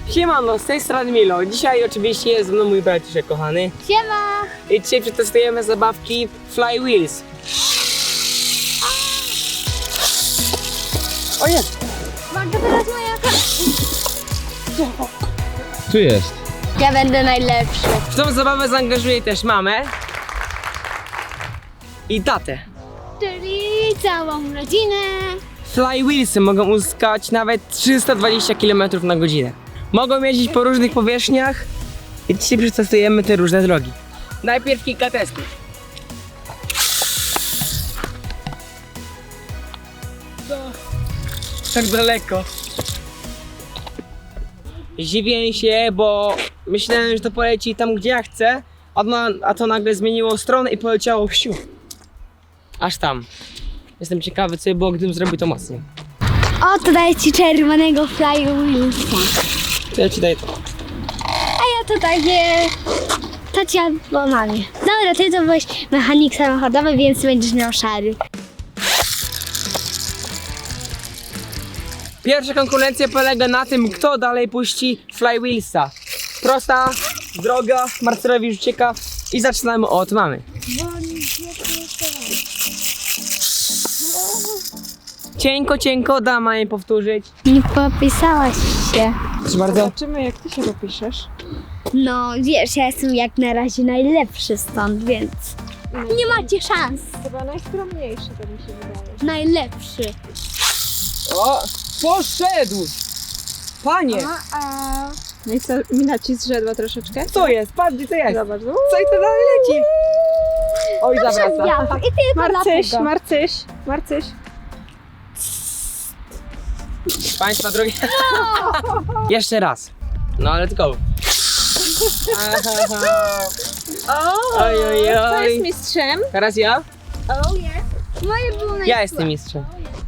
Siemano, z tej strony Milo. Dzisiaj oczywiście jest ze mną mój braciszek kochany. Siema! I dzisiaj przetestujemy zabawki Fly Wheels. O jest! Uwaga, teraz moja Tu jest. Ja będę najlepszy. W tą zabawę zaangażuję też mamę i tatę. Czyli całą rodzinę. Fly Wheelsy mogą uzyskać nawet 320 km na godzinę. Mogą jeździć po różnych powierzchniach i dzisiaj przetestujemy te różne drogi. Najpierw kilka testów. Tak daleko. Zdziwiłem się, bo myślałem, że to poleci tam, gdzie ja chcę, a to nagle zmieniło stronę i poleciało wsiu. Aż tam. Jestem ciekawy, co by było, gdybym zrobił to mocniej. O, to daję ci czerwonego Fly Wheelsa. To ja ci daję to. A ja to daję tacia bo mamie. Dobra, ty to byłeś mechanik samochodowy, więc będziesz miał szary. Pierwsza konkurencja polega na tym, kto dalej puści Fly Wheelsa. Prosta droga, Marcelowi już ucieka i zaczynamy od mamy. Cienko, cienko, da mamie powtórzyć. Nie popisałaś się. Proszę bardzo. Zobaczymy, jak ty się dopiszesz. No wiesz, ja jestem jak na razie najlepszy stąd, więc nie macie szans. Chyba najskromniejszy, to mi się wydaje. Najlepszy. O, poszedł! Panie, No i co, mina ci zrzedła troszeczkę? co jest? Patrz, gdzie to jest? Zobacz. Co i to dalej leci? Oj, zawraca. Ja. I tylko Marcyś, dlatego. Marcyś. Państwa drogie. Jeszcze raz. No, let's go. Oj, oj, Kto jest oj. mistrzem? Teraz ja? Oh yes. Moje było najlepsze. Ja jestem mistrzem.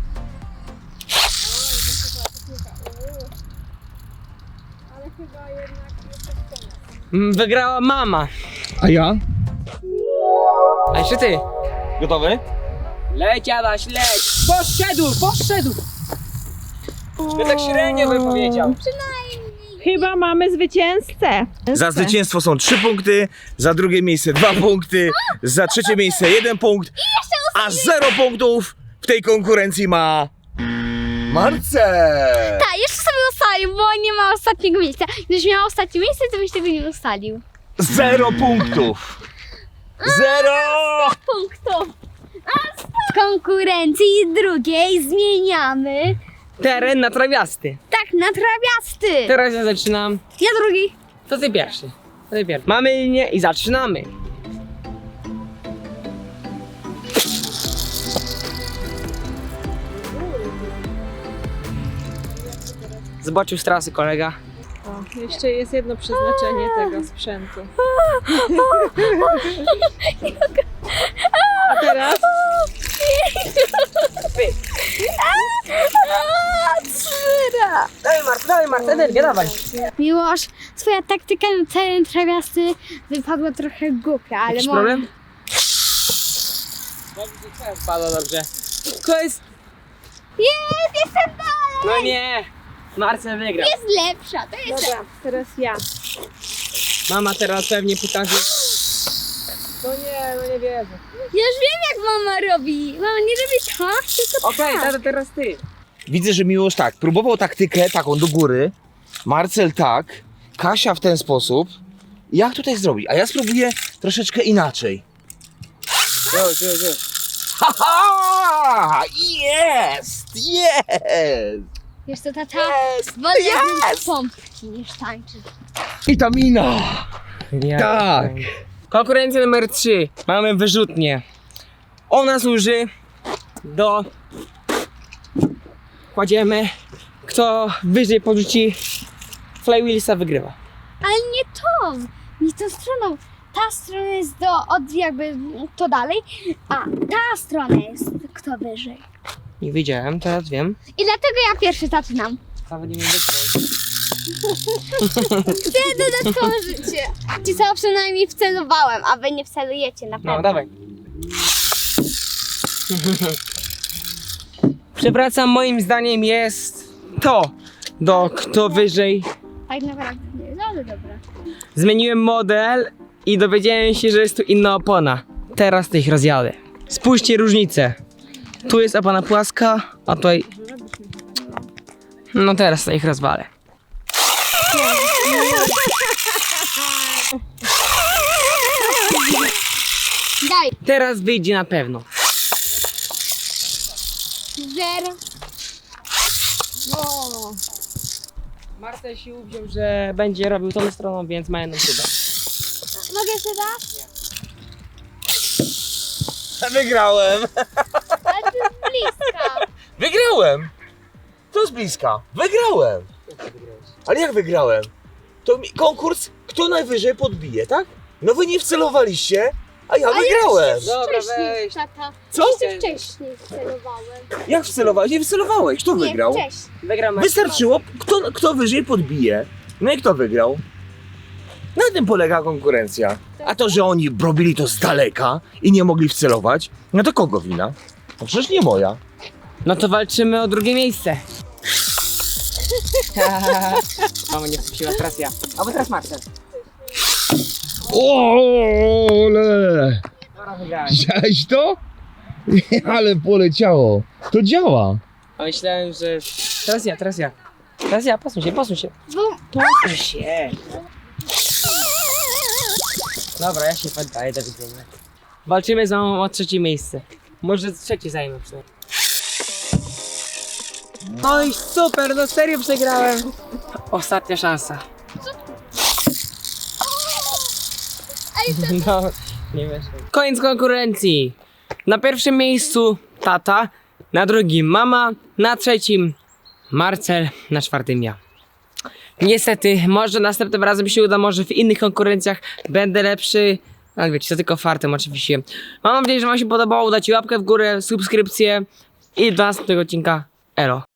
Wygrała mama. A ja? A jeszcze ty. Gotowy? Leć, Adaś, leć. Poszedł. Ja tak średnio bym powiedział. Chyba mamy zwycięzcę. Za zwycięstwo są 3 punkty, za drugie miejsce 2 punkty, za trzecie miejsce 1 punkt, a 0 punktów w tej konkurencji ma Marcel! Tak, jeszcze sobie ustalił, bo nie ma ostatniego miejsca. Gdybyś miał ostatnie miejsce, to byś tego nie ustalił. 0 punktów! 0! Punktów. A z konkurencji drugiej zmieniamy. Teren na trawiasty. Tak, na trawiasty. Teraz ja zaczynam. Ja drugi. To ty pierwszy. Mamy linię i zaczynamy. Zobaczył z trasy kolega. O, jeszcze jest jedno przeznaczenie tego sprzętu. A teraz? Dawaj Marta, energię, dawaj. Miłosz, twoja taktyka na teren trawiasty wypadła trochę głupia, ale Jakiś może... problem? Padło dobrze. To jest... Jest, jestem dalej! No nie! Marcel wygrał. Jest lepsza, to jest Dobra, teraz ja. Mama teraz pewnie pokaże. No nie wierzę. Ja już wiem, jak mama robi. Mama nie robi tak, tylko Okej, tak. tata, teraz ty. Widzę, że Miłosz tak, próbował taktykę taką do góry, Marcel tak, Kasia w ten sposób. Jak tutaj zrobić? A ja spróbuję troszeczkę inaczej. Już. Haha! Jest! Wiesz co, tata? Wolę yes! pompki niż tańczyć. I ta mina! Tak. Konkurencja numer 3. Mamy wyrzutnię. Ona służy do... Kładziemy. Kto wyżej porzuci Fly Wheelsa, wygrywa. Ale nie tą, nie tą stroną. Ta strona jest jakby to dalej, a ta strona jest kto wyżej. Nie wiedziałem, teraz wiem. I dlatego ja pierwszy zaczynam. Nawet nie wiem wytknąć. Chcę dodatkowe życie. Ci co przynajmniej wcelowałem, a wy nie wcelujecie na pewno. No, dawaj. Przewracam, moim zdaniem jest to, kto wyżej tak naprawdę nie jest, ale dobra. Zmieniłem model i dowiedziałem się, że jest tu inna opona. Teraz to ich rozjadę. Spójrzcie różnicę. Tu jest opona płaska, a tutaj... No teraz to ich rozwalę. Daj, Teraz wyjdzie na pewno. 0. O, Marcel się uwziął, że będzie robił tą stroną, więc ma jedną szybę. mogę jeszcze raz? Wygrałem! Ale to jest bliska. Wygrałem! To z bliska. Wygrałem! Ale jak wygrałem? To konkurs, kto najwyżej podbije, tak? No wy nie wcelowaliście, a ja wygrałem! Dobra, Wcześniej, weź. tata. Co? Jeszcze wcześniej celowałem. Jak wcelowałeś? Nie wcelowałeś. Kto wygrał? Nie, wcześniej. Wygrał Marcel. Wystarczyło, kto wyżej podbije. No i kto wygrał? Na tym polega konkurencja. A to, że oni robili to z daleka i nie mogli wcelować, no to kogo wina? No przecież nie moja. No to walczymy o drugie miejsce. Mama nie wpuściła, teraz ja. Albo teraz Marcel. Ole! Dobra, wygrałem. Widziałeś to? Ale poleciało. To działa. A myślałem, że... Teraz ja, teraz ja. Teraz ja, posuń się, posuń się. Bo Posuń się. Dobra, ja się poddaję do widzenia. Walczymy z mamą o trzecie miejsce. Może trzecie zajmę przynajmniej. Oj, super, no serio przegrałem. Ostatnia szansa. No, nie wiesz. Koniec konkurencji. Na pierwszym miejscu tata, na drugim mama, na trzecim Marcel, na czwartym ja. Niestety, może następnym razem się uda, może w innych konkurencjach będę lepszy. Ale wiecie, to tylko fartem oczywiście. Mam nadzieję, że wam się podobało. Dajcie łapkę w górę, subskrypcję i do następnego odcinka. Elo.